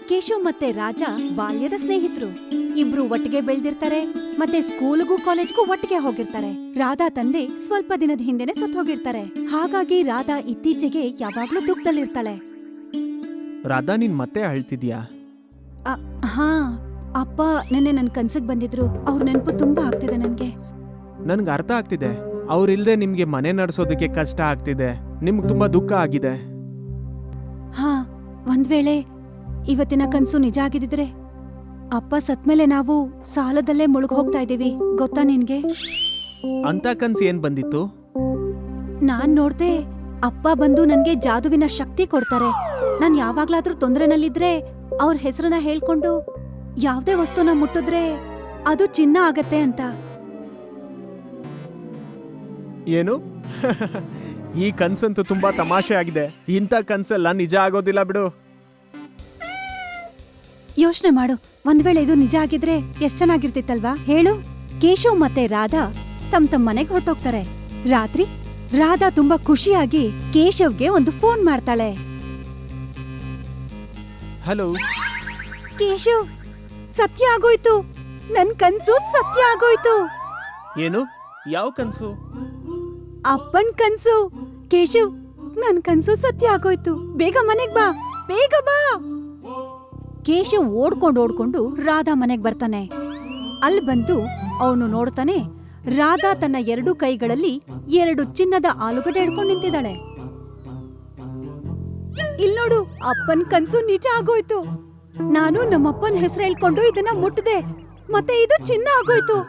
ಕೇಶವ್ ಮತ್ತೆ ರಾಜ ಬಾಲ್ಯದ ಸ್ನೇಹಿತರು. ಇಬ್ರು ಒಟ್ಟಿಗೆ ಬೆಳ್ದಿರ್ತಾರೆ ಮತ್ತೆ ಸ್ಕೂಲ್ಗೂ ಕಾಲೇಜ್ಗೂ ಒಟ್ಟಿಗೆ ಹೋಗಿರ್ತಾರೆ. ರಾಧಾ ತಂದೆ ಸ್ವಲ್ಪ ದಿನದ ಹಿಂದೆನೆ ಸತ್ ಹೋಗಿರ್ತಾರೆ. ಹಾಗಾಗಿ ರಾಧಾ ಇತ್ತೀಚೆಗೆ ಯಾವಾಗ್ಲೂ ದುಃಖದಲ್ಲಿರ್ತಾಳೆ. ರಾಧಾ, ನೀನ್ ಮತ್ತೆ ಅಳ್ತಿದ್ಯಾ? ಹಾ, ಅಪ್ಪ ನೆನ್ನೆ ನನ್ ಕನ್ಸಿಗ್ ಬಂದಿದ್ರು. ಅವ್ರ ನೆನಪು ತುಂಬಾ ಆಗ್ತಿದೆ ನನ್ಗೆ. ನನ್ಗೆ ಅರ್ಥ ಆಗ್ತಿದೆ. ಅವ್ರಿಲ್ದೆ ನಿಮ್ಗೆ ಮನೆ ನಡೆಸೋದಕ್ಕೆ ಕಷ್ಟ ಆಗ್ತಿದೆ. ನಿಮ್ಗೆ ತುಂಬಾ ದುಃಖ ಆಗಿದೆ. ಹಾ, ಒಂದ್ ವೇಳೆ ಇವತ್ತಿನ ಕನ್ಸು ನಿಜ ಆಗಿದ್ರೆ ಅಪ್ಪ ಸತ್ಮೇಲೆ ನಾವು ಸಾಲದಲ್ಲೇ ಮುಳುಗ್ ಹೋಗ್ತಾ ಇದೀವಿ, ಗೊತ್ತಾ ನಿನ್ಗೆ? ಅಂತ ಕನ್ಸು ಏನ್ ಬಂದಿತ್ತು? ನಾನ್ ನೋಡ್ದೆ ಅಪ್ಪ ಬಂದು ನನ್ಗೆ ಜಾದುವಿನ ಶಕ್ತಿ ಕೊಡ್ತಾರೆ. ನಾನ್ ಯಾವಾಗ್ಲಾದ್ರೂ ತೊಂದ್ರೆನಲ್ಲಿದ್ರೆ ಅವ್ರ ಹೆಸರನ್ನ ಹೇಳ್ಕೊಂಡು ಯಾವ್ದೇ ವಸ್ತುನ ಮುಟ್ಟಿದ್ರೆ ಅದು ಚಿನ್ನ ಆಗತ್ತೆ ಅಂತ. ಏನು? ಈ ಕನ್ಸಂತೂ ತುಂಬಾ ತಮಾಷೆ ಆಗಿದೆ. ಇಂಥ ಕನ್ಸೆಲ್ಲ ನಿಜ ಆಗೋದಿಲ್ಲ ಬಿಡು. ಯೋಚನೆ ಮಾಡು, ಒಂದ್ ವೇಳೆ ಇದು ನಿಜ ಆಗಿದ್ರೆ ಎಷ್ಟ್ ಚೆನ್ನಾಗಿರ್ತಿತ್ತಲ್ವಾ ಹೇಳು? ಕೇಶವ್ ಮತ್ತೆ ರಾಧಾ ತಮ್ಮ ಮನೆಗ್ ಹೊರಟೋಗ್ತಾರೆ. ರಾತ್ರಿ ರಾಧಾ ತುಂಬಾ ಖುಷಿಯಾಗಿ ಕೇಶವ್ಗೆ ಒಂದು ಫೋನ್ ಮಾಡ್ತಾಳೆ. ಹಲೋ ಕೇಶವ್, ಸತ್ಯ ಆಗೋಯ್ತು, ನನ್ ಕನ್ಸು ಸತ್ಯ ಆಗೋಯ್ತು. ಏನು? ಯಾವ ಕನ್ಸು? ಅಪ್ಪನ್ ಕನ್ಸು. ಕೇಶವ್, ನನ್ ಕನ್ಸು ಸತ್ಯ ಆಗೋಯ್ತು. ಬೇಗ ಮನೆಗ್ ಬಾ, ಬೇಗ ಬಾ. ಕೇಶವ್ ಓಡ್ಕೊಂಡು ರಾಧಾ ಮನೆಗ್ ಬರ್ತಾನೆ. ಅಲ್ಲಿ ಬಂದು ಅವನು ನೋಡ್ತಾನೆ, ರಾಧಾ ತನ್ನ 2 ಕೈಗಳಲ್ಲಿ 2 ಚಿನ್ನದ ಆಲೂಗಡ್ಡೆ ಹಿಡ್ಕೊಂಡು ನಿಂತಿದ್ದಾಳೆ. ಇಲ್ನೋಡು, ಅಪ್ಪನ್ ಕನ್ಸು ನಿಜ ಆಗೋಯ್ತು. ನಾನು ನಮ್ಮಪ್ಪನ್ ಹೆಸರು ಹೇಳ್ಕೊಂಡು ಇದನ್ನ ಮುಟ್ಟಿದೆ, ಮತ್ತೆ ಇದು ಚಿನ್ನ ಆಗೋಯ್ತು.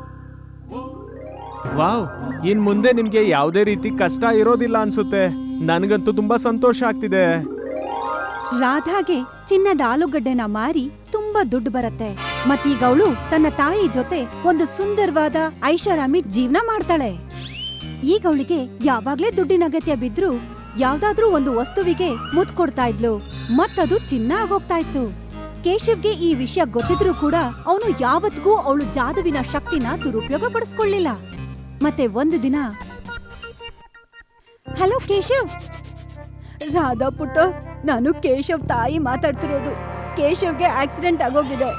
ವಾವ್, ಇನ್ ಮುಂದೆ ನಿಮ್ಗೆ ಯಾವುದೇ ರೀತಿ ಕಷ್ಟ ಇರೋದಿಲ್ಲ ಅನ್ಸುತ್ತೆ. ನನ್ಗಂತೂ ತುಂಬಾ ಸಂತೋಷ ಆಗ್ತಿದೆ. ರಾಧಾಗೆ ಚಿನ್ನದ ಆಲೂಗಡ್ಡೆನ ಮಾರಿ ತುಂಬಾ ದುಡ್ಡು ಬರತ್ತೆ. ಮತ್ತೀಗ ಅವಳು ತನ್ನ ತಾಯಿ ಜೊತೆ ಒಂದು ಸುಂದರವಾದ ಐಷಾರಾಮಿ ಜೀವನ ಮಾಡ್ತಾಳೆ. ಈಗ ಅವಳಿಗೆ ಯಾವಾಗ್ಲೇ ದುಡ್ಡಿನ ಅಗತ್ಯ ಬಿದ್ರು ಯಾವ್ದಾದ್ರೂ ಒಂದು ವಸ್ತುವಿಗೆ ಮುತ್ ಕೊಡ್ತಾ ಇದ್ಲು, ಮತ್ತದು ಚಿನ್ನ ಆಗೋಗ್ತಾ ಇತ್ತು. ಕೇಶವ್ಗೆ ಈ ವಿಷಯ ಗೊತ್ತಿದ್ರೂ ಕೂಡ ಅವನು ಯಾವತ್ತಿಗೂ ಅವಳು ಜಾದುವಿನ ಶಕ್ತಿನ ದುರುಪಯೋಗ ಪಡಿಸ್ಕೊಳ್ಳಿಲ್ಲ. ಮತ್ತೆ ಒಂದು ದಿನ, ಹಲೋ ಕೇಶವ್. ರಾಧಾ ಪುಟ್ಟ, ನಾನು ಕೇಶವ್ ತಾಯಿ ಮಾತಾಡ್ತಿರೋದು. ಕೇಶವ್ಗೆ ಆಕ್ಸಿಡೆಂಟ್ ಆಗೋಗಿದೆ.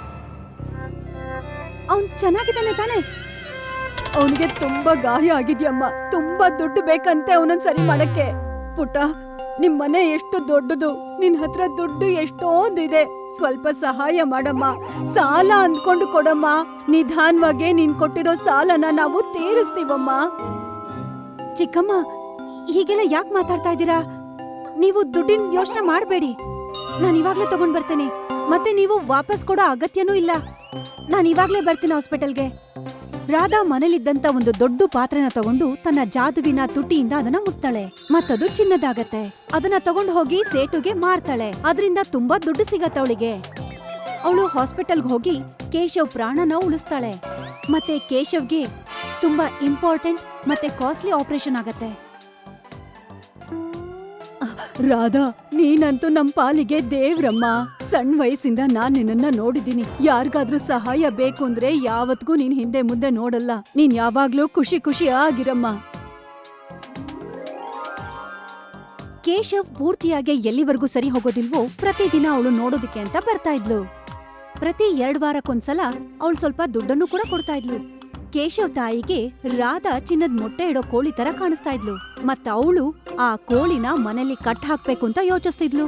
ಅವನ್ ಚೆನ್ನಾಗಿದ್ದಾನೆ ತಾನೆ? ಅವನಿಗೆ ತುಂಬಾ ಗಾಯ ಆಗಿದ್ಯಮ್ಮ. ತುಂಬಾ ದುಡ್ಡು ಬೇಕಂತೆ ಅವನನ್ನ ಸರಿ ಮಾಡಕ್ಕೆ. ಪುಟ್ಟ, ನಿಮ್ ಮನೆ ಎಷ್ಟು ದೊಡ್ಡದು, ನಿನ್ ಹತ್ರ ದುಡ್ಡು ಎಷ್ಟೊಂದಿದೆ. ಸ್ವಲ್ಪ ಸಹಾಯ ಮಾಡಮ್ಮ. ಸಾಲ ಅಂದ್ಕೊಂಡು ಕೊಡಮ್ಮ. ನಿಧಾನವಾಗಿ ನೀನ್ ಕೊಟ್ಟಿರೋ ಸಾಲನ ನಾವು ತೀರಿಸ್ತೀವಮ್ಮ. ಚಿಕ್ಕಮ್ಮ, ಹೀಗೆಲ್ಲ ಯಾಕೆ ಮಾತಾಡ್ತಾ ಇದ್ದೀರಾ? ನೀವು ದುಡ್ಡಿನ ಯೋಚನೆ ಮಾಡಬೇಡಿ. ನಾನು ಇವಾಗ್ಲೇ ತಗೊಂಡ್ ಬರ್ತೇನೆ. ಮತ್ತೆ ನೀವು ವಾಪಸ್ ಕೊಡೋ ಅಗತ್ಯನೂ ಇಲ್ಲ. ನಾನು ಇವಾಗ್ಲೇ ಬರ್ತೀನಿ ಹಾಸ್ಪಿಟಲ್ಗೆ. ರಾಧಾ ಮನೇಲಿದ್ದಂತ ಒಂದು ದೊಡ್ಡ ಪಾತ್ರೆನ ತಗೊಂಡು ತನ್ನ ಜಾದುವಿನ ತುಟಿಯಿಂದ ಅದನ್ನ ಮುಟ್ತಾಳೆ, ಮತ್ತದು ಚಿನ್ನದಾಗತ್ತೆ. ಅದನ್ನ ತಗೊಂಡು ಹೋಗಿ ಸೇಟುಗೆ ಮಾರ್ತಾಳೆ. ಅದರಿಂದ ತುಂಬಾ ದುಡ್ಡು ಸಿಗತ್ತೆ ಅವಳಿಗೆ. ಅವಳು ಹಾಸ್ಪಿಟಲ್ಗೆ ಹೋಗಿ ಕೇಶವ್ ಪ್ರಾಣನ ಉಳಿಸ್ತಾಳೆ. ಮತ್ತೆ ಕೇಶವ್ಗೆ ತುಂಬಾ ಇಂಪಾರ್ಟೆಂಟ್ ಮತ್ತೆ ಕಾಸ್ಟ್ಲಿ ಆಪರೇಷನ್ ಆಗತ್ತೆ. ರಾಧಾ, ನೀನಂತೂ ನಮ್ ಪಾಲಿಗೆ ದೇವ್ರಮ್ಮ. ಸಣ್ಣ ವಯಸ್ಸಿಂದ ನಾನ್ ನಿನ್ನ ನೋಡಿದ್ದೀನಿ. ಯಾರಿಗಾದ್ರೂ ಸಹಾಯ ಬೇಕು ಅಂದ್ರೆ ಯಾವತ್ಗೂ ನೀನ್ ಹಿಂದೆ ಮುಂದೆ ನೋಡಲ್ಲ. ನೀನ್ ಯಾವಾಗ್ಲೂ ಖುಷಿ ಆಗಿರಮ್ಮ. ಕೇಶವ್ ಪೂರ್ತಿಯಾಗಿ ಎಲ್ಲಿವರೆಗೂ ಸರಿ ಹೋಗೋದಿಲ್ವೋ ಪ್ರತಿದಿನ ಅವಳು ನೋಡೋದಕ್ಕೆ ಅಂತ ಬರ್ತಾ ಇದ್ಲು. ಪ್ರತಿ 2 ವಾರಕ್ಕೊಂದ್ಸಲ ಅವಳು ಸ್ವಲ್ಪ ದುಡ್ಡನ್ನು ಕೂಡ ಕೊಡ್ತಾ ಇದ್ಲು. ಕೇಶವ್ ತಾಯಿಗೆ ರಾಧಾ ಚಿನ್ನದ ಮೊಟ್ಟೆ ಇಡೋ ಕೋಳಿ ತರ ಕಾಣಿಸ್ತಾ ಇದ್ಲು. ಮತ್ತ ಅವಳು ಆ ಕೋಳಿನ ಮನೇಲಿ ಕಟ್ ಹಾಕ್ಬೇಕು ಅಂತ ಯೋಚಿಸ್ತಿದ್ಲು.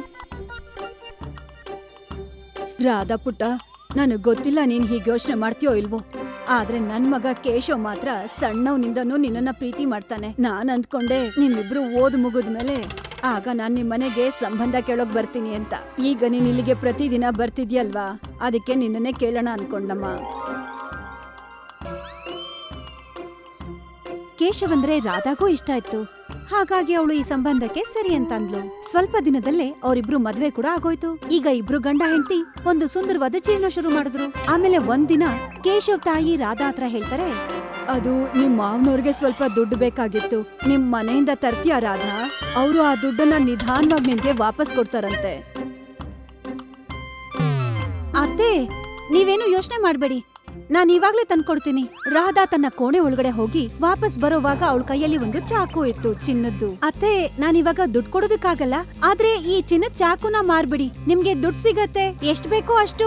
ರಾಧಾ ಪುಟ್ಟ, ನನಗ್ ಗೊತ್ತಿಲ್ಲ ನೀನ್ ಹೀಗೆ ಯೋಚನೆ ಮಾಡ್ತೀಯೋ ಇಲ್ವೋ, ಆದ್ರೆ ನನ್ ಮಗ ಕೇಶವ್ ಮಾತ್ರ ಸಣ್ಣವನಿಂದನೂ ನಿನ್ನನ್ನ ಪ್ರೀತಿ ಮಾಡ್ತಾನೆ. ನಾನ್ ಅಂದ್ಕೊಂಡೆ ನಿಮ್ಮಿಬ್ರು ಓದ್ ಮುಗಿದ್ಮೇಲೆ ಆಗ ನಾನ್ ನಿಮ್ ಮನೆಗೆ ಸಂಬಂಧ ಕೇಳೋಕ್ ಬರ್ತೀನಿ ಅಂತ. ಈಗ ನೀನ್ ಇಲ್ಲಿಗೆ ಪ್ರತಿದಿನ ಬರ್ತಿದ್ಯಲ್ವಾ, ಅದಕ್ಕೆ ನಿನ್ನನ್ನೇ ಕೇಳೋಣ ಅನ್ಕೊಂಡಮ್ಮ. ಕೇಶವ್ ಅಂದ್ರೆ ರಾಧಾಗೂ ಇಷ್ಟ ಇತ್ತು. ಹಾಗಾಗಿ ಅವಳು ಈ ಸಂಬಂಧಕ್ಕೆ ಸರಿ ಅಂತ ಅಂದ್ಲು. ಸ್ವಲ್ಪ ದಿನದಲ್ಲೇ ಅವರಿಬ್ರು ಮದ್ವೆ ಕೂಡ ಆಗೋಯ್ತು. ಈಗ ಇಬ್ರು ಗಂಡ ಹೆಂಡತಿ ಒಂದು ಸುಂದರವಾದ ಜೀವನ ಶುರು ಮಾಡಿದ್ರು. ಆಮೇಲೆ ಒಂದಿನ ಕೇಶವ್ ತಾಯಿ ರಾಧಾ ಹತ್ರ ಹೇಳ್ತಾರೆ, ಅದು ನಿಮ್ ಮಾವನವ್ರಿಗೆ ಸ್ವಲ್ಪ ದುಡ್ಡು ಬೇಕಾಗಿತ್ತು. ನಿಮ್ ಮನೆಯಿಂದ ತರ್ತೀಯ ರಾಧಾ? ಅವರು ಆ ದುಡ್ಡನ್ನ ನಿಧಾನವಾಗಿ ನಿನ್ಗೆ ವಾಪಸ್ ಕೊಡ್ತಾರಂತೆ. ಅತ್ತೆ, ನೀವೇನು ಯೋಚನೆ ಮಾಡ್ಬೇಡಿ. ನಾನ್ ಇವಾಗ್ಲೇ ತಂದ್ಕೊಡ್ತೀನಿ. ರಾಧಾ ತನ್ನ ಕೋಣೆ ಒಳಗಡೆ ಹೋಗಿ ವಾಪಸ್ ಬರೋವಾಗ ಅವಳ ಕೈಯಲ್ಲಿ ಒಂದು ಚಾಕು ಇತ್ತು, ಚಿನ್ನದ್ದು. ಅತ್ತೆ, ನಾನ್ ಇವಾಗ ದುಡ್ಡು ಕೊಡೋದಕ್ಕಾಗಲ್ಲ, ಆದ್ರೆ ಈ ಚಿನ್ನದ ಚಾಕುನ ಮಾರ್ಬಿಡಿ, ನಿಮ್ಗೆ ದುಡ್ಡು ಸಿಗತ್ತೆ, ಎಷ್ಟ್ ಬೇಕೋ ಅಷ್ಟು.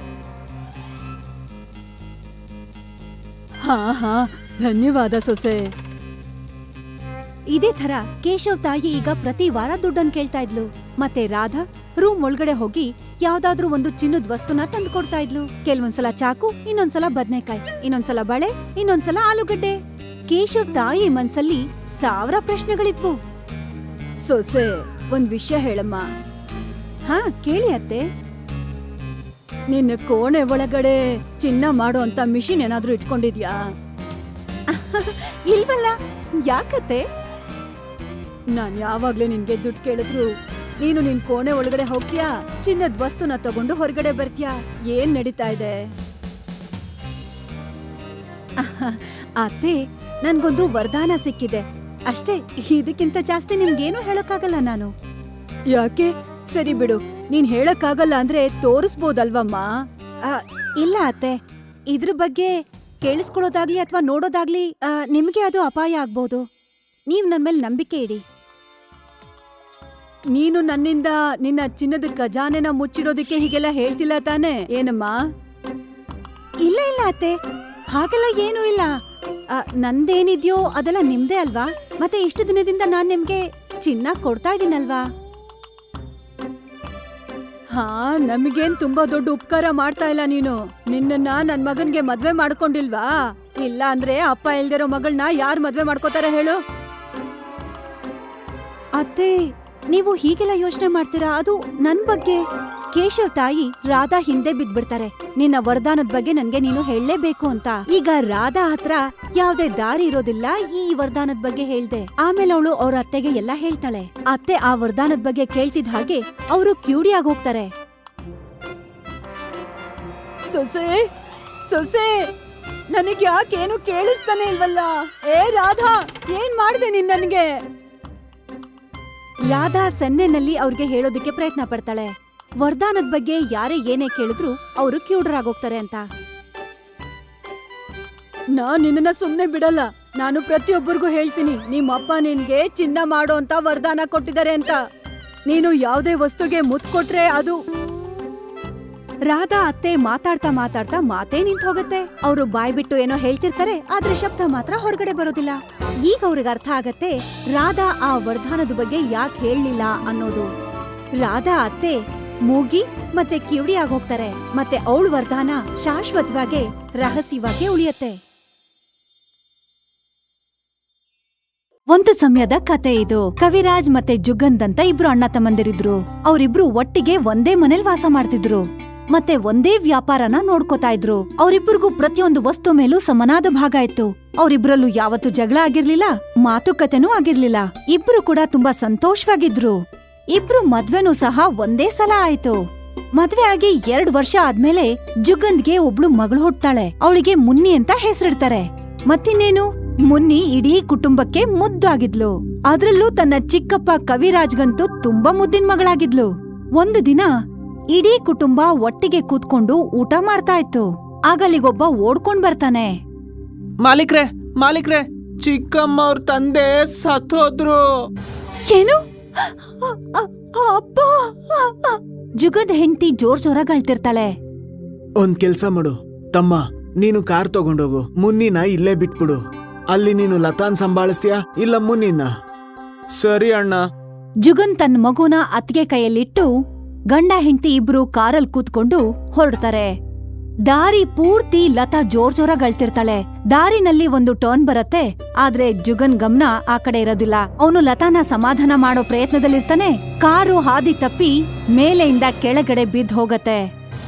ಹಾ ಹಾ, ಧನ್ಯವಾದ ಸೊಸೆ. ಇದೇ ತರ ಕೇಶವ್ ತಾಯಿ ಈಗ ಪ್ರತಿ ವಾರ ದುಡ್ಡನ್ನು ಕೇಳ್ತಾ ಇದ್ಲು. ಮತ್ತೆ ರಾಧಾ ರೂಮ್ ಒಳಗಡೆ ಹೋಗಿ ಯಾವ್ದಾದ್ರೂ ಒಂದು ಚಿನ್ನದ ವಸ್ತುನ ತಂದು ಕೊಡ್ತಾ ಇದ್ಲು. ಕೆಲವೊಂದ್ಸಲ ಚಾಕು, ಇನ್ನೊಂದ್ಸಲ ಬದ್ನೆಕಾಯಿ, ಇನ್ನೊಂದ್ಸಲ ಬಳೆ, ಇನ್ನೊಂದ್ಸಲ ಆಲೂಗಡ್ಡೆ. ಕೇಶವ್ ತಾಯಿ ಮನ್ಸಲ್ಲಿ 1000 ಪ್ರಶ್ನೆಗಳಿದ್ವು. ಸೊಸೆ, ಒಂದ್ ವಿಷಯ ಹೇಳಮ್ಮ. ಹಾ, ಕೇಳಿ ಅತ್ತೆ. ನಿನ್ನ ಕೋಣೆ ಒಳಗಡೆ ಚಿನ್ನ ಮಾಡೋ ಅಂತ ಮಿಷಿನ್ ಏನಾದ್ರೂ ಇಟ್ಕೊಂಡಿದ್ಯಾ? ಇಲ್ವಲ್ಲ, ಯಾಕತ್ತೆ? ನಾನ್ ಯಾವಾಗ್ಲೂ ನಿನ್ಗೆ ದುಡ್ಡು ಕೇಳಿದ್ರು ನೀನು ನಿನ್ ಕೋಣೆ ಒಳಗಡೆ ಹೋಗ್ತೀಯಾ, ಚಿನ್ನದ ವಸ್ತುನ ತಗೊಂಡು ಹೊರಗಡೆ ಬರ್ತೀಯಾ? ಏನ್ ನಡೀತಾ ಇದೆ? ಅತ್ತೆ, ನನ್ಗೊಂದು ವರದಾನ ಸಿಕ್ಕಿದೆ ಅಷ್ಟೇ, ಇದಕ್ಕಿಂತ ಜಾಸ್ತಿ ನಿಮ್ಗೇನು ಹೇಳಕ್ಕಾಗಲ್ಲ ನಾನು. ಯಾಕೆ? ಸರಿ ಬಿಡು, ನೀನ್ ಹೇಳಕ್ಕಾಗಲ್ಲ ಅಂದ್ರೆ ತೋರಿಸ್ಬೋದಲ್ವಮ್ಮ? ಇಲ್ಲ ಅತ್ತೆ, ಇದ್ರ ಬಗ್ಗೆ ಕೇಳಿಸ್ಕೊಳ್ಳೋದಾಗ್ಲಿ ಅಥವಾ ನೋಡೋದಾಗ್ಲಿ ನಿಮ್ಗೆ ಅದು ಅಪಾಯ ಆಗ್ಬೋದು. ನೀವ್ ನನ್ ಮೇಲೆ ನಂಬಿಕೆ ಇಡಿ. ನೀನು ನನ್ನಿಂದ ನಿನ್ನ ಚಿನ್ನದ ಖಜಾನೆನ ಮುಚ್ಚಿಡೋದಕ್ಕೆ ಹೀಗೆಲ್ಲ ಹೇಳ್ತಿಲ್ಲ ತಾನೆ ಏನಮ್ಮ? ಇಲ್ಲ ಇಲ್ಲ ಅತ್ತೆ, ಹಾಗೆಲ್ಲ ಏನೂ ಇಲ್ಲ. ನಂದೇನಿದ್ಯೋ ಅದೆಲ್ಲ ನಿಮ್ದೇ ಅಲ್ವಾ? ಮತ್ತೆ ಇಷ್ಟು ದಿನದಿಂದ ನಾನ್ ನಿಮ್ಗೆ ಚಿನ್ನ ಕೊಡ್ತಾ ಇದೀನಲ್ವಾ? ಹಾ, ನಮಗೇನ್ ತುಂಬಾ ದೊಡ್ಡ ಉಪಕಾರ ಮಾಡ್ತಾ ಇಲ್ಲ ನೀನು. ನಿನ್ನನ್ನ ನನ್ ಮಗನ್ಗೆ ಮದ್ವೆ ಮಾಡ್ಕೊಂಡಿಲ್ವಾ? ಇಲ್ಲ ಅಂದ್ರೆ ಅಪ್ಪ ಇಲ್ದಿರೋ ಮಗಳನ್ನ ಯಾರ್ ಮದ್ವೆ ಮಾಡ್ಕೋತಾರೆ ಹೇಳು? ಅತ್ತೆ, ನೀವು ಹೀಗೆಲ್ಲ ಯೋಚನೆ ಮಾಡ್ತೀರಾ? ಅದು ನನ್ ಬಗ್ಗೆ. ಕೇಶವ್ ತಾಯಿ ರಾಧಾ ಹಿಂದೆ ಬಿದ್ಬಿಡ್ತಾರೆ. ನಿನ್ನ ವರದಾನದ ಬಗ್ಗೆ ನನ್ಗೆ ನೀನು ಹೇಳಲೇಬೇಕು ಅಂತ. ಈಗ ರಾಧಾ ಹತ್ರ ಯಾವ್ದೇ ದಾರಿ ಇರೋದಿಲ್ಲ. ಈ ವರದಾನದ ಬಗ್ಗೆ ಹೇಳ್ದೆ. ಆಮೇಲೆ ಅವಳು ಅವ್ರ ಅತ್ತೆಗೆ ಎಲ್ಲ ಹೇಳ್ತಾಳೆ. ಅತ್ತೆ ಆ ವರದಾನದ ಬಗ್ಗೆ ಕೇಳ್ತಿದ್ ಹಾಗೆ ಅವರು ಕ್ಯೂರಿಯಾಗಿ ಹೋಗ್ತಾರೆ. ಸೊಸೆ, ಸೊಸೆ, ನನಗ್ ಯಾಕೇನು ಕೇಳಿಸ್ತಾನೆ ಇಲ್ವಲ್ಲ? ಏ ರಾಧಾ, ಏನ್ ಮಾಡ್ದೆ ನೀನ್ ನನ್ಗೆ? ರಾಧಾ ಸನ್ನೆನಲ್ಲಿ ಅವ್ರಿಗೆ ಹೇಳೋದಕ್ಕೆ ಪ್ರಯತ್ನ ಪಡ್ತಾಳೆ, ವರದಾನದ ಬಗ್ಗೆ ಯಾರೇ ಏನೇ ಕೇಳಿದ್ರು ಅವರು ಕ್ಯೂಡರಾಗೋಗ್ತಾರೆ ಅಂತ. ನಾನ್ ನಿನ್ನ ಸುಮ್ನೆ ಬಿಡಲ್ಲ. ನಾನು ಪ್ರತಿಯೊಬ್ಬರಿಗೂ ಹೇಳ್ತೀನಿ, ನಿಮ್ಮಪ್ಪ ನಿನ್ಗೆ ಚಿನ್ನ ಮಾಡೋ ಅಂತ ವರದಾನ ಕೊಟ್ಟಿದ್ದಾರೆ ಅಂತ. ನೀನು ಯಾವ್ದೇ ವಸ್ತುಗೆ ಮುತ್ ಕೊಟ್ರೆ ಅದು. ರಾಧಾ ಅತ್ತೆ ಮಾತಾಡ್ತಾ ಮಾತಾಡ್ತಾ ಮಾತೇ ನಿಂತ್ ಹೋಗತ್ತೆ. ಅವರು ಬಾಯ್ ಬಿಟ್ಟು ಏನೋ ಹೇಳ್ತಿರ್ತಾರೆ, ಆದ್ರೆ ಶಬ್ದ ಮಾತ್ರ ಹೊರಗಡೆ ಬರೋದಿಲ್ಲ. ಈಗ ಅವ್ರಿಗೆ ಅರ್ಥ ಆಗತ್ತೆ ರಾಧಾ ಆ ವರದಾನದ ಬಗ್ಗೆ ಯಾಕೆ ಹೇಳಲಿಲ್ಲ ಅನ್ನೋದು. ರಾಧಾ ಅತ್ತೆ ಮೂಗಿ ಮತ್ತೆ ಕಿವಿಡಿ ಆಗೋಗ್ತಾರೆ. ಮತ್ತೆ ಅವಳ ವರದಾನ ಶಾಶ್ವತವಾಗಿ ರಹಸ್ಯವಾಗಿ ಉಳಿಯತ್ತೆ. ಒಂದು ಸಮಯದ ಕತೆ ಇದು. ಕವಿರಾಜ್ ಮತ್ತೆ ಜುಗಂದ್ ಅಂತ ಇಬ್ರು ಅಣ್ಣ ತಮ್ಮಂದಿರಿದ್ರು. ಅವರಿಬ್ರು ಒಟ್ಟಿಗೆ ಒಂದೇ ಮನೇಲಿ ವಾಸ ಮಾಡ್ತಿದ್ರು. ಮತ್ತೆ ಒಂದೇ ವ್ಯಾಪಾರನ ನೋಡ್ಕೋತಾ ಇದ್ರು. ಅವರಿಬ್ಬರಿಗೂ ಪ್ರತಿಯೊಂದು ವಸ್ತು ಮೇಲೂ ಸಮನಾದ ಭಾಗ ಇತ್ತು. ಅವರಿಬ್ರಲ್ಲೂ ಯಾವತ್ತೂ ಜಗಳ ಆಗಿರ್ಲಿಲ್ಲ, ಮಾತುಕತೆನೂ ಆಗಿರ್ಲಿಲ್ಲ. ಇಬ್ರು ಕೂಡ ತುಂಬಾ ಸಂತೋಷವಾಗಿದ್ರು. ಇಬ್ರು ಮದ್ವೆನೂ ಸಹ ಒಂದೇ ಸಲ ಆಯ್ತು. ಮದ್ವೆ ಆಗಿ 2 ವರ್ಷ ಆದ್ಮೇಲೆ ಜುಗಂದ್ಗೆ ಒಬ್ಳು ಮಗಳು ಹುಟ್ತಾಳೆ. ಅವಳಿಗೆ ಮುನ್ನಿ ಅಂತ ಹೆಸರಿಡ್ತಾರೆ. ಮತ್ತಿನ್ನೇನು, ಮುನ್ನಿ ಇಡೀ ಕುಟುಂಬಕ್ಕೆ ಮುದ್ದಾಗಿದ್ಲು. ಅದ್ರಲ್ಲೂ ತನ್ನ ಚಿಕ್ಕಪ್ಪ ಕವಿರಾಜ್ಗಂತೂ ತುಂಬಾ ಮುದ್ದಿನ ಮಗಳಾಗಿದ್ಲು. ಒಂದು ದಿನ ಇಡೀ ಕುಟುಂಬ ಒಟ್ಟಿಗೆ ಕೂತ್ಕೊಂಡು ಊಟ ಮಾಡ್ತಾ ಇತ್ತು. ಆಗಲಿಗೊಬ್ಬ ಓಡ್ಕೊಂಡ್ ಬರ್ತಾನೆ. ಮಾಲೀಕ್ರೆ, ಮಾಲೀಕ್ರೆ, ಚಿಕ್ಕಮ್ಮ ಅವ್ರ ತಂದೆ ಸತ್ತೋದ್ರು. ಏನು? ಅಪ್ಪ! ಜುಗದ್ ಹೆಂಡತಿ ಜೋರಾಗಿ ಅಳ್ತಿರ್ತಾಳೆ. ಒಂದ್ ಕೆಲ್ಸ ಮಾಡು ತಮ್ಮ, ನೀನು ಕಾರ್ ತಗೊಂಡೋಗು, ಮುನ್ನಿನ ಇಲ್ಲೇ ಬಿಟ್ಬಿಡು. ಅಲ್ಲಿ ನೀನು ಲತಾನ್ ಸಂಭಾಳಿಸ್ತೀಯಾ ಇಲ್ಲ ಮುನ್ನಿನ? ಸರಿ ಅಣ್ಣ. ಜುಗನ್ ತನ್ನ ಮಗುನ ಅತ್ತಿಗೆ ಕೈಯಲ್ಲಿಟ್ಟು ಗಂಡ ಹೆಂಡತಿ ಇಬ್ರು ಕಾರಲ್ಲಿ ಕೂತ್ಕೊಂಡು ಹೊರಡ್ತಾರೆ. ದಾರಿ ಪೂರ್ತಿ ಲತಾ ಜೋರಾಗಿ ಅಳ್ತಿರ್ತಾಳೆ. ದಾರಿನಲ್ಲಿ ಒಂದು ಟರ್ನ್ ಬರತ್ತೆ, ಆದ್ರೆ ಜುಗನ್ ಗಮನ ಆ ಕಡೆ ಇರೋದಿಲ್ಲ. ಅವನು ಲತಾನ ಸಮಾಧಾನ ಮಾಡೋ ಪ್ರಯತ್ನದಲ್ಲಿರ್ತಾನೆ. ಕಾರು ಹಾದಿ ತಪ್ಪಿ ಮೇಲೆಯಿಂದ ಕೆಳಗಡೆ ಬಿದ್ದು ಹೋಗತ್ತೆ.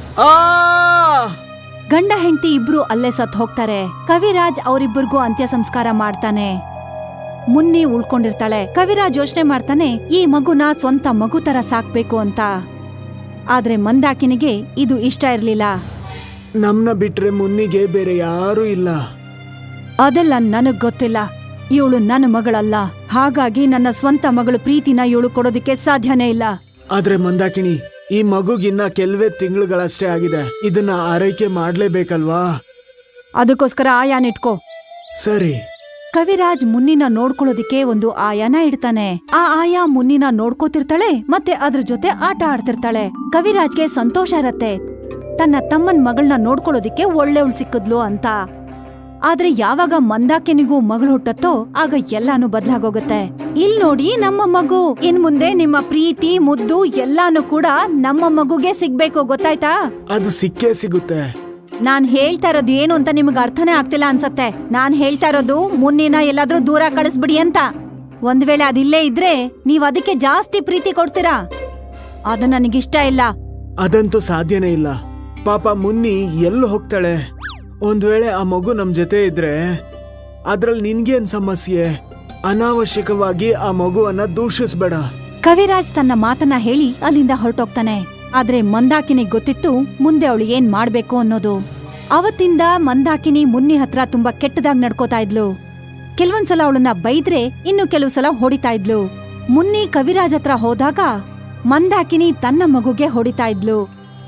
ಗಂಡ ಹೆಂಡತಿ ಇಬ್ರು ಅಲ್ಲೇ ಸತ್ ಹೋಗ್ತಾರೆ. ಕವಿರಾಜ್ ಅವರಿಬ್ಬರಿಗೂ ಅಂತ್ಯ ಸಂಸ್ಕಾರ ಮಾಡ್ತಾನೆ. ಮುನ್ನಿ ಉಳ್ಕೊಂಡಿರ್ತಾಳೆ. ಕವಿರಾಜ್ ಯೋಚನೆ ಮಾಡ್ತಾನೆ, ಈ ಮಗುನ ಸ್ವಂತ ಮಗು ತರ ಸಾಕ್ಬೇಕು ಅಂತ. ಆದ್ರೆ ಮಂದಾಕಿನಿಗೆ ಇದು ಇಷ್ಟ ಇರ್ಲಿಲ್ಲ. ನಮ್ನ ಬಿಟ್ರೆ ಮುನ್ನಿಗೆ ಬೇರೆ ಯಾರೂ ಇಲ್ಲ. ಅದೆಲ್ಲ ನನಗ್ ಗೊತ್ತಿಲ್ಲ. ಇವಳು ನನ್ನ ಮಗಳಲ್ಲ, ಹಾಗಾಗಿ ನನ್ನ ಸ್ವಂತ ಮಗಳು ಪ್ರೀತಿನ ಇವಳು ಕೊಡೋದಿಕ್ಕೆ ಸಾಧ್ಯನೇ ಇಲ್ಲ. ಆದ್ರೆ ಮಂದಾಕಿಣಿ, ಈ ಮಗುಗಿನ್ನ ಕೆಲವೇ ತಿಂಗಳುಗಳಷ್ಟೇ ಆಗಿದೆ. ಇದನ್ನ ಆರೈಕೆ ಮಾಡ್ಲೇಬೇಕಲ್ವಾ? ಅದಕ್ಕೋಸ್ಕರ ಆಯಾನ ಇಟ್ಕೋ. ಸರಿ. ಕವಿರಾಜ್ ಮುನ್ನಿನ ನೋಡ್ಕೊಳ್ಳೋದಿಕ್ಕೆ ಒಂದು ಆಯಾನ ಇಡ್ತಾನೆ. ಆ ಆಯಾ ಮುನ್ನಿನ ನೋಡ್ಕೋತಿರ್ತಾಳೆ ಮತ್ತೆ ಅದ್ರ ಜೊತೆ ಆಟ ಆಡ್ತಿರ್ತಾಳೆ. ಕವಿರಾಜ್ಗೆ ಸಂತೋಷ ಇರತ್ತೆ ತನ್ನ ತಮ್ಮನ್ ಮಗಳನ್ನ ನೋಡ್ಕೊಳ್ಳೋದಿಕ್ಕೆ ಒಳ್ಳೆವಳು ಸಿಕ್ಕಿದ್ಲು ಅಂತ. ಆದ್ರೆ ಯಾವಾಗ ಮಂದಾಕಿನಿಗೂ ಮಗಳು ಹುಟ್ಟತ್ತೋ ಆಗ ಎಲ್ಲಾನು ಬದ್ಲಾಗೋಗತ್ತೆ. ಇಲ್ ನೋಡಿ ನಮ್ಮ ಮಗು, ಇನ್ ಮುಂದೆ ನಿಮ್ಮ ಪ್ರೀತಿ ಮುದ್ದು ಎಲ್ಲಾನು ಕೂಡ ನಮ್ಮ ಮಗುಗೆ ಸಿಗ್ಬೇಕು, ಗೊತ್ತಾಯ್ತಾ? ಅದು ಸಿಕ್ಕೇ ಸಿಗುತ್ತೆ. ನಾನ್ ಹೇಳ್ತಾ ಇರೋದು ಏನು ಅಂತ ನಿಮ್ಗೆ ಅರ್ಥನೇ ಆಗ್ತಿಲ್ಲ ಅನ್ಸತ್ತೆ. ನಾನ್ ಹೇಳ್ತಾ ಇರೋದು ಮುನ್ನಿನ ಎಲ್ಲಾದ್ರೂ ದೂರ ಕಳಿಸ್ಬಿಡಿ ಅಂತ. ಒಂದ್ ವೇಳೆ ಅದಿಲ್ಲೇ ಇದ್ರೆ ನೀವ್ ಅದಕ್ಕೆ ಜಾಸ್ತಿ ಪ್ರೀತಿ ಕೊಡ್ತೀರಾ. ಅದು ನನಗಿಷ್ಟ ಇಲ್ಲ. ಅದಂತೂ ಸಾಧ್ಯನೇ ಇಲ್ಲ. ಪಾಪ ಮುನ್ನಿ ಎಲ್ಲಿ ಹೋಗ್ತಾಳೆ? ಒಂದ್ ವೇಳೆ ಆ ಮಗು ನಮ್ ಜೊತೆ ಇದ್ರೆ ಅದ್ರಲ್ಲಿ ನಿನ್ಗೇನ್ ಸಮಸ್ಯೆ? ಅನಾವಶ್ಯಕವಾಗಿ ಆ ಮಗುವನ್ನ ದೂಷಿಸ್ಬೇಡ. ಕವಿರಾಜ್ ತನ್ನ ಮಾತನ್ನ ಹೇಳಿ ಅಲ್ಲಿಂದ ಹೊರಟೋಗ್ತಾನೆ. ಆದ್ರೆ ಮಂದಾಕಿನಿಗ್ ಗೊತ್ತಿತ್ತು ಮುಂದೆ ಅವಳು ಏನ್ ಮಾಡ್ಬೇಕು ಅನ್ನೋದು. ಅವತ್ತಿಂದ ಮಂದಾಕಿನಿ ಮುನ್ನಿ ಹತ್ರ ತುಂಬಾ ಕೆಟ್ಟದಾಗ್ ನಡ್ಕೋತಾ ಇದ್ಲು. ಕೆಲವೊಂದ್ಸಲ ಅವಳನ್ನ ಬೈದ್ರೆ ಇನ್ನು ಕೆಲವು ಸಲ ಹೊಡಿತಾ ಇದ್ಲು. ಮುನ್ನಿ ಕವಿರಾಜ್ ಹತ್ರ ಹೋದಾಗ ಮಂದಾಕಿನಿ ತನ್ನ ಮಗುಗೆ ಹೊಡಿತಾ ಇದ್ಲು.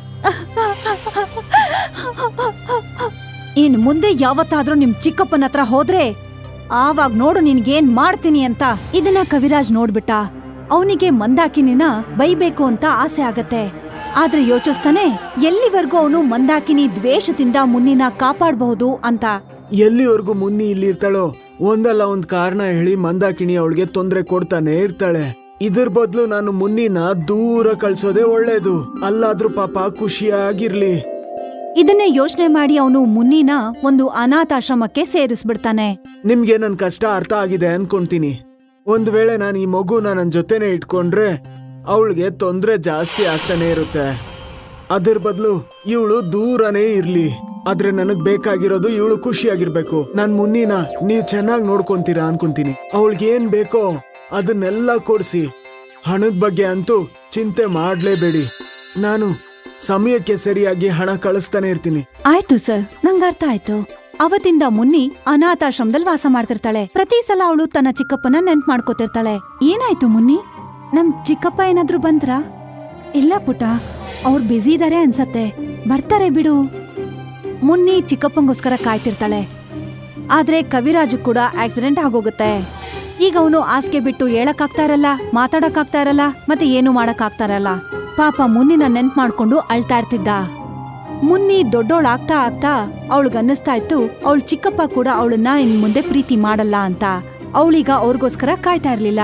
ಇನ್ ಮುಂದೆ ಯಾವತ್ತಾದ್ರೂ ನಿಮ್ ಚಿಕ್ಕಪ್ಪನ ಹತ್ರ ಹೋದ್ರೆ ಆವಾಗ್ ನೋಡು ನಿನ್ಗೇನ್ ಮಾಡ್ತೀನಿ ಅಂತ. ಇದನ್ನ ಕವಿರಾಜ್ ನೋಡ್ಬಿಟ್ಟ. ಅವನಿಗೆ ಮಂದಾಕಿನಿನ ಬೈಬೇಕು ಅಂತ ಆಸೆ ಆಗತ್ತೆ. ಆದ್ರೆ ಯೋಚಿಸ್ತಾನೆ ಎಲ್ಲಿವರೆಗೂ ಅವನು ಮಂದಾಕಿನಿ ದ್ವೇಷದಿಂದ ಮುನ್ನಿನ ಕಾಪಾಡಬಹುದು ಅಂತ. ಎಲ್ಲಿವರೆಗೂ ಮುನ್ನಿ ಇಲ್ಲಿ ಇರ್ತಾಳೋ ಒಂದಲ್ಲ ಒಂದ್ ಕಾರಣ ಹೇಳಿ ಮಂದಾಕಿನಿ ಅವಳಿಗೆ ತೊಂದ್ರೆ ಕೊಡ್ತಾನೆ ಇರ್ತಾಳೆ. ಇದ್ರ ಬದ್ಲು ನಾನು ಮುನ್ನಿನ ದೂರ ಕಳ್ಸೋದೇ ಒಳ್ಳೇದು. ಅಲ್ಲಾದ್ರೂ ಪಾಪ ಖುಷಿಯಾಗಿರ್ಲಿ. ಇದನ್ನೇ ಯೋಚನೆ ಮಾಡಿ ಅವನು ಮುನ್ನಿನ ಒಂದು ಅನಾಥಾಶ್ರಮಕ್ಕೆ ಸೇರಿಸ್ಬಿಡ್ತಾನೆ. ನಿಮ್ಗೆ ನನ್ ಕಷ್ಟ ಅರ್ಥ ಆಗಿದೆ ಅನ್ಕೊಂತೀನಿ. ಒಂದ್ ವೇಳೆ ನಾನು ಈ ಮಗುನ ನನ್ ಜೊತೆನೆ ಇಟ್ಕೊಂಡ್ರೆ ಅವಳಿಗೆ ತೊಂದ್ರೆ ಜಾಸ್ತಿ ಆಗ್ತಾನೆ ಇರುತ್ತೆ. ಅದ್ರ ಬದಲು ಇವಳು ದೂರನೇ ಇರ್ಲಿ. ಆದ್ರೆ ನನಗ್ ಬೇಕಾಗಿರೋದು ಇವಳು ಖುಷಿಯಾಗಿರ್ಬೇಕು. ನಾನ್ ಮುನ್ನಿನ ನೀವ್ ಚೆನ್ನಾಗಿ ನೋಡ್ಕೊಂತೀರಾ ಅನ್ಕೊಂತೀನಿ. ಅವಳಿಗೆ ಏನ್ ಬೇಕೋ ಅದನ್ನೆಲ್ಲ ಕೊಡ್ಸಿ. ಹಣದ ಬಗ್ಗೆ ಅಂತೂ ಚಿಂತೆ ಮಾಡ್ಲೇಬೇಡಿ. ನಾನು ಸಮಯಕ್ಕೆ ಸರಿಯಾಗಿ ಹಣ ಕಳಿಸ್ತಾನೆ ಇರ್ತೀನಿ. ಆಯ್ತು ಸರ್, ನಂಗ್ ಅರ್ಥ ಆಯ್ತು. ಅವತ್ತಿಂದ ಮುನ್ನಿ ಅನಾಥಾಶ್ರಮದಲ್ಲಿ ವಾಸ ಮಾಡ್ತಿರ್ತಾಳೆ. ಪ್ರತಿ ಸಲ ಅವಳು ತನ್ನ ಚಿಕ್ಕಪ್ಪನ ನೆನ್ಪ್ ಮಾಡ್ಕೋತಿರ್ತಾಳೆ. ಏನಾಯ್ತು ಮುನ್ನಿ, ನಮ್ ಚಿಕ್ಕಪ್ಪ ಏನಾದ್ರೂ ಬಂದ್ರಾ? ಇಲ್ಲ ಪುಟ, ಅವ್ರು ಬ್ಯುಸಿ ಇದಾರೆ ಅನ್ಸತ್ತೆ, ಬರ್ತಾರೆ ಬಿಡು. ಮುನ್ನಿ ಚಿಕ್ಕಪ್ಪಂಗೋಸ್ಕರ ಕಾಯ್ತಿರ್ತಾಳೆ. ಆದ್ರೆ ಕವಿರಾಜು ಕೂಡ ಆಕ್ಸಿಡೆಂಟ್ ಆಗೋಗುತ್ತೆ. ಈಗ ಅವನು ಹಾಸಿಗೆ ಬಿಟ್ಟು ಹೇಳಕ್ಕಾಗ್ತಾ ಇರಲ್ಲ, ಮಾತಾಡಕ್ಕಾಗ್ತಾ ಇರಲ್ಲ, ಮತ್ತೆ ಏನು ಮಾಡಕ್ಕಾಗ್ತಾ ಇರಲ್ಲ. ಪಾಪ ಮುನ್ನಿನ ನೆನ್ಪ್ ಮಾಡ್ಕೊಂಡು ಅಳ್ತಾ ಇರ್ತಿದ್ದ. ಮುನ್ನಿ ದೊಡ್ಡೋಳಾಗ್ತಾ ಆಗ್ತಾ ಅವಳಿಗನ್ನಿಸ್ತಾ ಇತ್ತು ಅವಳ ಚಿಕ್ಕಪ್ಪ ಕೂಡ ಅವಳನ್ನ ಇನ್ ಮುಂದೆ ಪ್ರೀತಿ ಮಾಡಲ್ಲ ಅಂತ. ಅವಳೀಗ ಅವ್ರಿಗೋಸ್ಕರ ಕಾಯ್ತಾ ಇರ್ಲಿಲ್ಲ.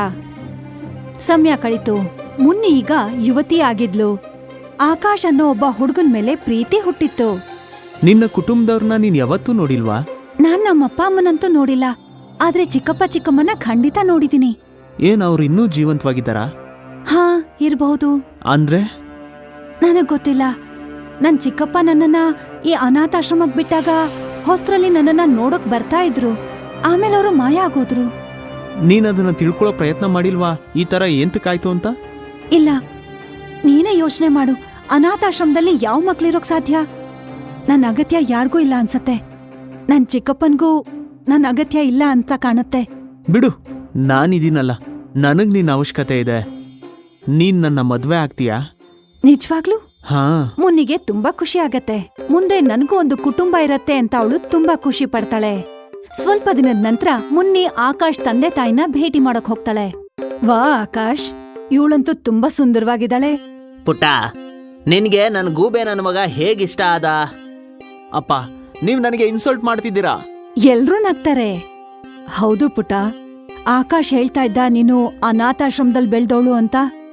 ಸಮಯ ಕಳೀತು. ಮುನ್ನಿ ಈಗ ಯುವತಿ ಆಗಿದ್ಲು. ಆಕಾಶ್ ಅನ್ನೋ ಒಬ್ಬ ಹುಡುಗನ್ ಮೇಲೆ ಪ್ರೀತಿ ಹುಟ್ಟಿತ್ತು. ನಿನ್ನ ಕುಟುಂಬದವ್ರನ್ನ ನೀನ್ ಯಾವತ್ತೂ ನೋಡಿಲ್ವಾ? ನಾನ್ ನಮ್ಮಪ್ಪ ಅಮ್ಮನಂತೂ ನೋಡಿಲ್ಲ, ಆದ್ರೆ ಚಿಕ್ಕಪ್ಪ ಚಿಕ್ಕಮ್ಮನ ಖಂಡಿತ ನೋಡಿದೀನಿ. ಏನ್ ಅವ್ರು ಇನ್ನೂ ಜೀವಂತವಾಗಿದ್ದಾರಾ? ಹಾ, ಇರ್ಬಹುದು. ಅಂದ್ರೆ ನನಗ್ ಗೊತ್ತಿಲ್ಲ. ನನ್ ಚಿಕ್ಕಪ್ಪ ನನ್ನನ್ನ ಈ ಅನಾಥಾಶ್ರಮಕ್ ಬಿಟ್ಟಾಗ ಹೊಸ್ತ್ರಲ್ಲಿ ನನ್ನನ್ನ ನೋಡಕ್ ಬರ್ತಾ ಇದ್ರು. ಆಮೇಲೆ ಅವರು ಮಾಯ ಆಗೋದ್ರು. ನೀನದನ್ನ ತಿಳ್ಕೊಳ್ಳೋ ಪ್ರಯತ್ನ ಮಾಡಿಲ್ವಾ ಈ ತರ ಏಂತಕ್ಕಾಯ್ತು ಅಂತ? ಇಲ್ಲ, ನೀನೇ ಯೋಚನೆ ಮಾಡು. ಅನಾಥಾಶ್ರಮದಲ್ಲಿ ಯಾವ ಮಕ್ಳಿರೋಕ್ ಸಾಧ್ಯ? ನನ್ ಅಗತ್ಯ ಯಾರಿಗೂ ಇಲ್ಲ ಅನ್ಸತ್ತೆ. ನನ್ ಚಿಕ್ಕಪ್ಪನ್ಗೂ ನನ್ ಅಗತ್ಯ ಇಲ್ಲ ಅಂತ ಕಾಣುತ್ತೆ. ಬಿಡು, ನಾನಿದೀನಲ್ಲ, ನನಗ್ ನಿನ್ನ ಅವಶ್ಯಕತೆ ಇದೆ. ನೀನ್ ನನ್ನ ಮದ್ವೆ ಆಗ್ತೀಯಾ? ನಿಜವಾಗ್ಲೂ? ಹಾ. ಮುನ್ನಿಗೆ ತುಂಬಾ ಖುಷಿ ಆಗತ್ತೆ. ಮುಂದೆ ನನ್ಗೂ ಒಂದು ಕುಟುಂಬ ಇರತ್ತೆ ಅಂತ ಅವಳು ತುಂಬಾ ಖುಷಿ ಪಡ್ತಾಳೆ. ಸ್ವಲ್ಪ ದಿನದ ನಂತರ ಮುನ್ನಿ ಆಕಾಶ್ ತಂದೆ ತಾಯಿನ ಭೇಟಿ ಮಾಡಕ್ ಹೋಗ್ತಾಳೆ. ವಾ ಆಕಾಶ್, ಇವಳಂತೂ ತುಂಬಾ ಸುಂದರವಾಗಿದ್ದಾಳೆ. ಪುಟ್ಟ, ನಿನ್ಗೆ ನನ್ ಗೂಬೆ ನನ್ನ ಮಗ ಹೇಗಿಷ್ಟ ಆದ? ಅಪ್ಪ, ನೀವ್ ನನಗೆ ಇನ್ಸಲ್ಟ್ ಮಾಡ್ತಿದ್ದೀರಾ. ಎಲ್ರೂ ನಗ್ತಾರೆ. ಹೌದು ಪುಟ, ಆಕಾಶ್ ಹೇಳ್ತಾ ಇದ್ದ ನೀನು ಅನಾಥಾಶ್ರಮದಲ್ಲಿ ಬೆಳ್ದವಳು ಅಂತ.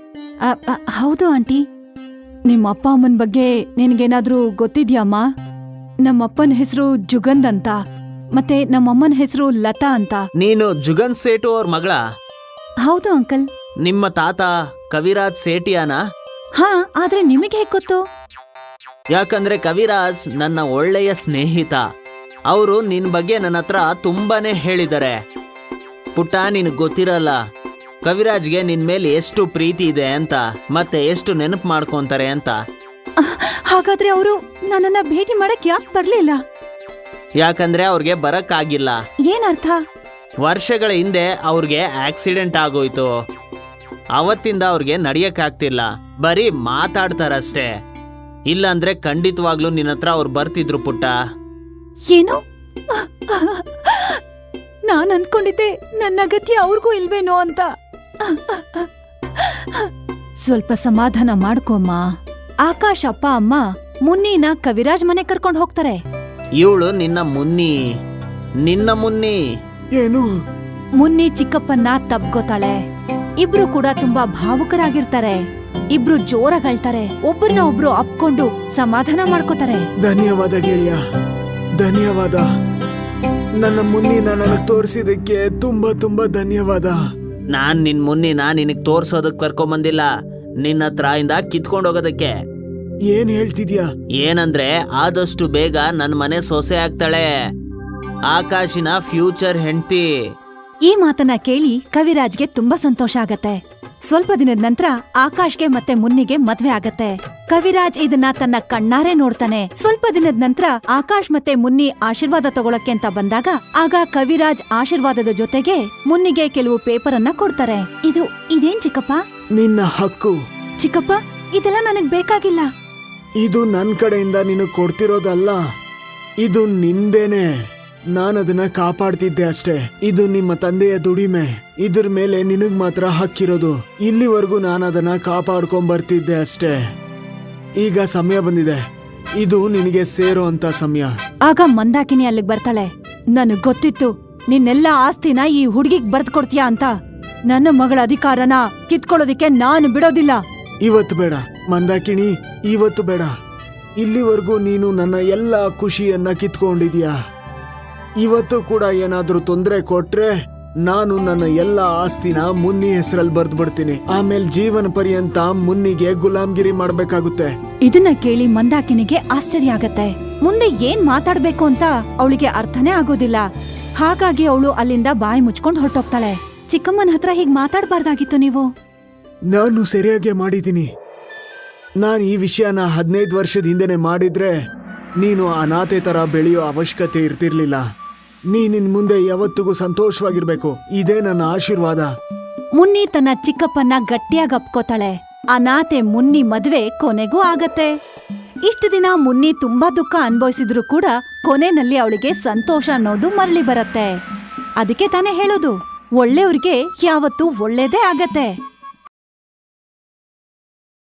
ಹೌದು ಆಂಟಿ. ನಿಮ್ಮ ಅಪ್ಪ ಅಮ್ಮನ ಬಗ್ಗೆ ನಿನ್ಗೇನಾದ್ರೂ ಗೊತ್ತಿದ್ಯಾಮ್ಮ? ನಮ್ಮಪ್ಪನ ಹೆಸರು ಜುಗಂದ್ ಅಂತ, ಮತ್ತೆ ನಮ್ಮಮ್ಮನ ಹೆಸರು ಲತಾ ಅಂತ. ನೀನು ಜುಗನ್ ಸೇಟು ಅವ್ರ ಮಗಳ? ಹೌದು ಅಂಕಲ್. ನಿಮ್ಮ ತಾತ ಕವಿರಾಜ್ ಸೇಟಿಯಾನ? ಹಾ, ಆದ್ರೆ ನಿಮಗೆ ಹೇಗ್ ಗೊತ್ತು? ಯಾಕಂದ್ರೆ ಕವಿರಾಜ್ ನನ್ನ ಒಳ್ಳೆಯ ಸ್ನೇಹಿತ. ಅವರು ನಿನ್ ಬಗ್ಗೆ ನನ್ನ ಹತ್ರ ತುಂಬಾನೇ ಹೇಳಿದ್ದಾರೆ. ಪುಟ್ಟ, ನಿನಗ್ ಗೊತ್ತಿರಲ್ಲ ಕವಿರಾಜ್ಗೆ ನಿನ್ ಮೇಲೆ ಎಷ್ಟು ಪ್ರೀತಿ ಇದೆ ಅಂತ, ಮತ್ತೆ ಎಷ್ಟು ನೆನಪು ಮಾಡ್ಕೊಂತಾರೆ ಅಂತ. ಹಾಗಾದ್ರೆ ಅವರು ನನ್ನನ್ನ ಭೇಟಿ ಮಾಡಕ್ ಯಾಕೆ ಬರ್ಲಿಲ್ಲ? ಯಾಕಂದ್ರೆ ಅವ್ರಿಗೆ ಬರಕ್ಕಾಗಿಲ್ಲ. ಏನರ್ಥ? ವರ್ಷಗಳ ಹಿಂದೆ ಅವ್ರಿಗೆ ಆಕ್ಸಿಡೆಂಟ್ ಆಗೋಯ್ತು. ಅವತ್ತಿಂದ ಅವ್ರಿಗೆ ನಡಿಯಕ್ಕಾಗ್ತಿಲ್ಲ, ಬರೀ ಮಾತಾಡ್ತಾರಷ್ಟೇ. ಇಲ್ಲಾಂದ್ರೆ ಖಂಡಿತವಾಗ್ಲೂ ನಿನ್ನ ಹತ್ರ ಅವ್ರು ಬರ್ತಿದ್ರು ಪುಟ್ಟ. ಏನು? ನಾನ್ ಅನ್ಕೊಂಡಿದ್ದೆ ನನ್ನ ಅಗತ್ಯ ಅವ್ರಿಗೂ ಇಲ್ವೇನೋ ಅಂತ. ಸ್ವಲ್ಪ ಸಮಾಧಾನ ಮಾಡ್ಕೊಮ್ಮ. ಆಕಾಶ್ ಅಪ್ಪ ಅಮ್ಮ ಮುನ್ನಿನ ಕವಿರಾಜ್ ಮನೆ ಕರ್ಕೊಂಡ್ ಹೋಗ್ತಾರೆ. ಇವಳು ನಿನ್ನ ಮುನ್ನಿ. ಏನು? ಮುನ್ನಿ ಚಿಕ್ಕಪ್ಪನ್ನ ತಬ್ಕೋತಾಳೆ. ಇಬ್ರು ಕೂಡ ತುಂಬಾ ಭಾವುಕರಾಗಿರ್ತಾರೆ. ಇಬ್ರು ಜೋರಾಗಳ್ತಾರೆ. ಒಬ್ಬರನ್ನ ಒಬ್ರು ಅಪ್ಕೊಂಡು ಸಮಾಧಾನ ಮಾಡ್ಕೋತಾರೆ. ಧನ್ಯವಾದ ಗೆಳೆಯ, ಧನ್ಯವಾದ. ನನ್ನ ಮುನ್ನಿನ ನನಗ್ ತೋರಿಸಿದಕ್ಕೆ ತುಂಬಾ ತುಂಬಾ ಧನ್ಯವಾದ. ನಾನ್ ನಿನ್ ಮುನ್ನಿನ ನಿನಗ್ ತೋರ್ಸೋದಕ್ ಕರ್ಕೊಂಬಂದಿಲ್ಲ, ನಿನ್ನ ಹತ್ರ ಇಂದ ಕಿತ್ಕೊಂಡ್ ಹೋಗೋದಕ್ಕೆ. ಏನ್ ಹೇಳ್ತಿದ್ಯಾ? ಏನಂದ್ರೆ ಆದಷ್ಟು ಬೇಗ ನನ್ ಮನೆ ಸೊಸೆ ಆಗ್ತಾಳೆ, ಆಕಾಶಿನ ಫ್ಯೂಚರ್ ಹೆಂಡ್ತಿ. ಈ ಮಾತನ್ನ ಕೇಳಿ ಕವಿರಾಜ್ಗೆ ತುಂಬಾ ಸಂತೋಷ ಆಗತ್ತೆ. ಸ್ವಲ್ಪ ದಿನದ ನಂತರ ಆಕಾಶ್ಗೆ ಮತ್ತೆ ಮುನ್ನಿಗೆ ಮದ್ವೆ ಆಗತ್ತೆ. ಕವಿರಾಜ್ ಇದನ್ನ ತನ್ನ ಕಣ್ಣಾರೆ ನೋಡ್ತಾನೆ. ಸ್ವಲ್ಪ ದಿನದ ನಂತರ ಆಕಾಶ್ ಮತ್ತೆ ಮುನ್ನಿ ಆಶೀರ್ವಾದ ತಗೊಳಕ್ಕೆ ಅಂತ ಬಂದಾಗ ಆಗ ಕವಿರಾಜ್ ಆಶೀರ್ವಾದದ ಜೊತೆಗೆ ಮುನ್ನಿಗೆ ಕೆಲವು ಪೇಪರ್ ಅನ್ನ ಕೊಡ್ತಾರೆ. ಇದೇನ್ ಚಿಕ್ಕಪ್ಪ? ನಿನ್ನ ಹಕ್ಕು. ಚಿಕ್ಕಪ್ಪ, ಇದೆಲ್ಲ ನನಗ್ ಬೇಕಾಗಿಲ್ಲ. ಇದು ನನ್ ಕಡೆಯಿಂದ ನಿನಗ್ ಕೊಡ್ತಿರೋದಲ್ಲ, ಇದು ನಿಂದೇನೆ. ನಾನದನ್ನ ಕಾಪಾಡ್ತಿದ್ದೆ ಅಷ್ಟೇ. ಇದು ನಿಮ್ಮ ತಂದೆಯ ದುಡಿಮೆ. ಇದ್ರ ಮೇಲೆ ನಿನಗ್ ಮಾತ್ರ ಹಕ್ಕಿರೋದು. ಇಲ್ಲಿವರೆಗೂ ನಾನದನ್ನ ಕಾಪಾಡ್ಕೊಂಡ್ ಬರ್ತಿದ್ದೆ ಅಷ್ಟೇ. ಈಗ ಸಮಯ ಬಂದಿದೆ, ಇದು ನಿನಗೆ ಸೇರೋ ಅಂತ ಸಮಯ. ಆಗ ಮಂದಾಕಿನಿ ಅಲ್ಲಿಗ್ ಬರ್ತಾಳೆ. ನನಗ್ ಗೊತ್ತಿತ್ತು ನಿನ್ನೆಲ್ಲ ಆಸ್ತಿನ ಈ ಹುಡುಗಿಗ್ ಬರ್ದ್ ಕೊಡ್ತೀಯಾ ಅಂತ. ನನ್ನ ಮಗಳ ಅಧಿಕಾರನ ಕಿತ್ಕೊಳ್ಳೋದಿಕ್ಕೆ ನಾನು ಬಿಡೋದಿಲ್ಲ. ಇವತ್ತು ಬೇಡ ಮಂದಾಕಿಣಿ, ಇವತ್ತು ಬೇಡ. ಇಲ್ಲಿವರೆಗೂ ನೀನು ನನ್ನ ಎಲ್ಲ ಖುಷಿಯನ್ನ ಕಿತ್ಕೊಂಡಿದ್ಯಾ. ಇವತ್ತು ಕೂಡ ಏನಾದ್ರೂ ತೊಂದರೆ ಕೊಟ್ರೆ ನಾನು ನನ್ನ ಎಲ್ಲ ಆಸ್ತಿನ ಮುನ್ನಿ ಹೆಸರಲ್ಲಿ ಬರ್ದ್ ಬಿಡ್ತೀನಿ. ಆಮೇಲೆ ಜೀವನ ಪರ್ಯಂತ ಮುನ್ನಿಗೆ ಗುಲಾಮ್ಗಿರಿ ಮಾಡ್ಬೇಕಾಗುತ್ತೆ. ಇದನ್ನ ಕೇಳಿ ಮಂದಾಕಿನಿಗೆ ಆಶ್ಚರ್ಯ ಆಗತ್ತೆ. ಮುಂದೆ ಏನ್ ಮಾತಾಡ್ಬೇಕು ಅಂತ ಅವಳಿಗೆ ಅರ್ಥನೇ ಆಗೋದಿಲ್ಲ. ಹಾಗಾಗಿ ಅವಳು ಅಲ್ಲಿಂದ ಬಾಯಿ ಮುಚ್ಕೊಂಡ್ ಹೊರಟೋಗ್ತಾಳೆ. ಚಿಕ್ಕಮ್ಮನ ಹತ್ರ ಹೀಗ್ ಮಾತಾಡ್ಬಾರ್ದಾಗಿತ್ತು ನೀವು. ನಾನು ಸರಿಯಾಗಿ ಮಾಡಿದ್ದೀನಿ. ನಾನು ಈ ವಿಷಯನ 15 ವರ್ಷದ ಹಿಂದೆನೆ ಮಾಡಿದ್ರೆ ನೀನು ಅನಾಥೆ ತರ ಬೆಳೆಯೋ ಅವಶ್ಯಕತೆ ಇರ್ತಿರ್ಲಿಲ್ಲ. ನೀನಿನ್ ಮುಂದೆ ಯಾವತ್ತಿಗೂ ಸಂತೋಷವಾಗಿರ್ಬೇಕು. ಇದೇ ನನ್ನ ಆಶೀರ್ವಾದ. ಮುನ್ನಿ ತನ್ನ ಚಿಕ್ಕಪ್ಪನ್ನ ಗಟ್ಟಿಯಾಗಿ ಅಪ್ಕೋತಾಳೆ. ಅನಾಥೆ ಮುನ್ನಿ ಮದ್ವೆ ಕೊನೆಗೂ ಆಗತ್ತೆ. ಇಷ್ಟು ದಿನ ಮುನ್ನಿ ತುಂಬಾ ದುಃಖ ಅನ್ಭವಿಸಿದ್ರು ಕೂಡ ಕೊನೆನಲ್ಲಿ ಅವಳಿಗೆ ಸಂತೋಷ ಅನ್ನೋದು ಮರಳಿ ಬರತ್ತೆ. ಅದಕ್ಕೆ ತಾನೇ ಹೇಳೋದು, ಒಳ್ಳೆಯವ್ರಿಗೆ ಯಾವತ್ತೂ ಒಳ್ಳೇದೇ ಆಗತ್ತೆ.